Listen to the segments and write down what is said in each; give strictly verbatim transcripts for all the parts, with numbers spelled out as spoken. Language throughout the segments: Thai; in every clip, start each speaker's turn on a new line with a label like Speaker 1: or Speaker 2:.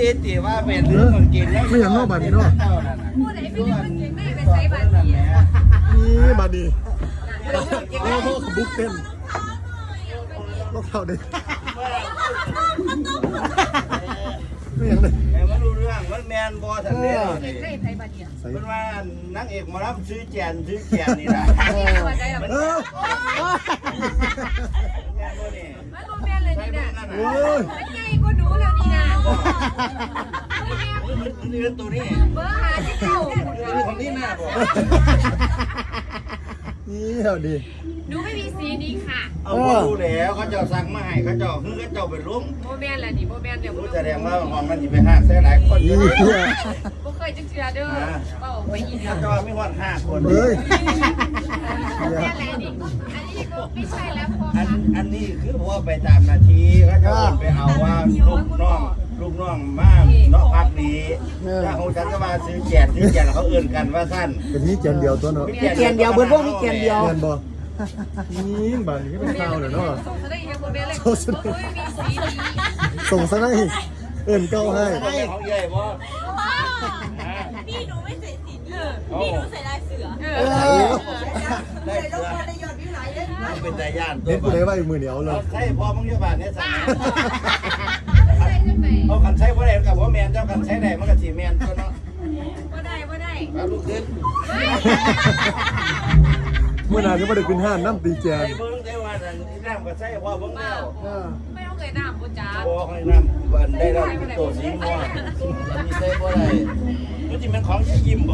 Speaker 1: ตีว่าเป็นเรื่องกินแล้ว
Speaker 2: ไม่อย่างนอกบาดีเนาะ
Speaker 3: พูดไหนเป็นเรื่องเก่งได้ไปใช้บาดี
Speaker 2: นี่บาดีโอ้โหบุ๊กเต็มรองเท้าเด็กไม่อย่างเลย
Speaker 1: แต่ว่ารู้เรื่องมันแมนบอสันเดียวนี่
Speaker 3: ได้ใช้บาดี
Speaker 1: เป็นว่านักเอกมารับซื้อแจนซื้อแจนนี่แหละ
Speaker 2: เออ
Speaker 3: มันโมเมนเลยนี่นะมันใหญ่กว่าหนูแล้วนี่นะ
Speaker 1: นี่เป็นตัวนี้
Speaker 3: เบอร์หาที่เก่า
Speaker 1: ของนี่แม่บอก
Speaker 2: นี่เท่าดี
Speaker 3: หนูไม่มีสีนี้ค่ะ
Speaker 1: เอาดูแล้วเขาเจ้าสั่งมาให้เขาเจ้าคือเขาเจ้าเป็นลุง
Speaker 3: โมเมนแหละนี่โมเมนเดี๋ยว
Speaker 1: รู้แสดงว่าของมันจะไปห้าแสนหลายคนอยู่
Speaker 2: นี่
Speaker 3: บ่เคยจะเชื่อเด้อเป้าไปอีก
Speaker 1: เขาเจ้าไม่ว่าห้าคน
Speaker 2: เฮ้ย
Speaker 3: โมเมนอะไรนี่อันนี้ไม่ใช่แล้วพอ
Speaker 1: อันอันนี้คือว่าไปตามนาทีเขาเจ้าไปเอาว่าลูกน้องลูกน้องมาเนาะพักนี้ถ้าของฉันก็มาซื้อแจนซื้อแจนเขาเอื่นกันว่าสั้น
Speaker 2: เป็นนี่เจนเดียวตัวเนาะ
Speaker 4: มีเกียนเดียวเบิร์ดพวกมีเกียนเดียว
Speaker 2: เงินบ่นี่บาดีก็เป็นข้าวเลยเนาะ
Speaker 3: ส่งซะได้ยังโมเมนเลยมีสีนี้
Speaker 2: ส่งซะได้เอิ่นเก้าให้
Speaker 1: ของใหญ่บ่
Speaker 3: พี่หนูไม่ใส่สีนี้พี่หนูใส่ลายเสือเออ
Speaker 1: ได้เสือเป็นใจย่าน
Speaker 2: เน้นกูได้ไว้มือเหนียวเลย
Speaker 1: ใช่พอมึงเยอะบาทเนี่ยสั่งเอาคันใช้พ่อแดงกับพ่อแมนเจ้าคันใช้แดงมันกับสีแมนตัวเนาะ
Speaker 3: ว่าได้ว่าได้
Speaker 1: เอาลูกขึ้น
Speaker 2: เมื่อนานก็ไม่ได้กินห้านน้ำตีแจน
Speaker 1: ใช่เบิ้งใช่ว่าน้ำก็ใช่พ่อเบิ้งแล้ว
Speaker 3: ไม่ต้องเคยน้ำปูจ๋า
Speaker 1: พ่อให้น้ำวันได้แล้วตัวสีม่วงมีใช่พ่อได้มันจะเป็นของยิ้มบ่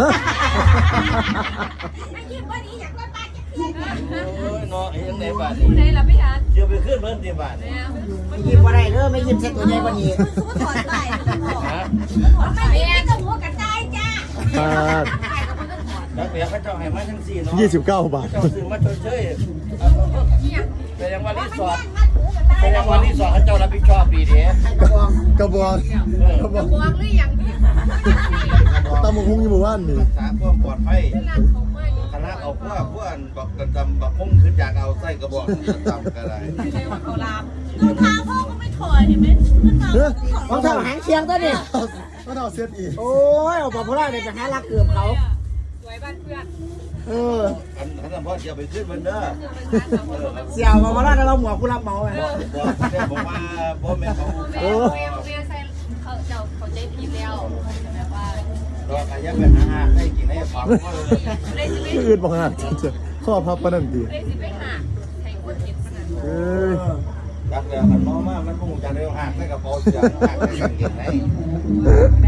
Speaker 3: ไม่ยิ้มว่านี้อยากได้ปลาจะขึ้น
Speaker 1: โอ้ยเนาะยังไงบาทนี่
Speaker 3: ไหนล่ะพี่ฮัน
Speaker 1: เดี๋ยวไปขึ้นเบิ้งตีบาทนี่
Speaker 4: ไม่ยิ้มอะไรเด้อไม่ยิ้มเส้นตัวใหญ่กว่านี้
Speaker 3: ถอดไปไม่ยิ้มกับหัวกระจายจ้า
Speaker 2: บาท
Speaker 1: แล้วเดี๋ยวเขาเจ้าให้มาทั้งสี่เนาะ
Speaker 2: ยี่สิบเก้าบาท
Speaker 1: เจ้าซื้อมาเฉยๆแต่ยังวันที่สองแต่ยังวันที่สองเขาเจ้ารับผิดชอบดีเด้
Speaker 2: กระบองกระบอง
Speaker 3: กระบองหรือยังพี่
Speaker 2: ตามมุ้งยี่หมู่บ้านนี่
Speaker 1: รักษาความปลอดภัยคณะเอาพวกพวกบักกระจำบักพุ่งขึ้นจากเอาไส้กระบอกกระจำก็ได้
Speaker 3: ไม่ใช่ว่าเขาลามรองเท้าพ่อก็ไม่ถอยเห็นไหมขึ้นมาร
Speaker 4: องเท้าหางเชียงตัวนี้
Speaker 2: รองเท้าเซ็ตอีก
Speaker 4: โอ้ยเอาปลาพลาเนี่ยไปหาลักเกือบเขา
Speaker 3: สวยบ้านเพื่อน
Speaker 4: เออ
Speaker 1: อันท่านพ่อจะไปขึ้นมันเด้อ
Speaker 4: เสี่ยวปลาพลาแล้วเราหมวกผู้รับเหมาไง
Speaker 1: บอกบอกว่าพ่อแม่เขา
Speaker 3: โอ้แม่แม่ใส่เขาเจ้าเขาใจพีแล้วแบบว่า
Speaker 1: เราขยันไปหาให้กินให้ฟังว่า
Speaker 3: เลยสิไม่
Speaker 2: อื่นบอกหาข้อพับปนันตี
Speaker 3: เลยสิไม่หาใช้คนเห็นปนัน
Speaker 2: เอ้ย
Speaker 1: รักแล้วมันมองมากมันคงจะเร็วหักให้กับพอเสียงหักให้กินให้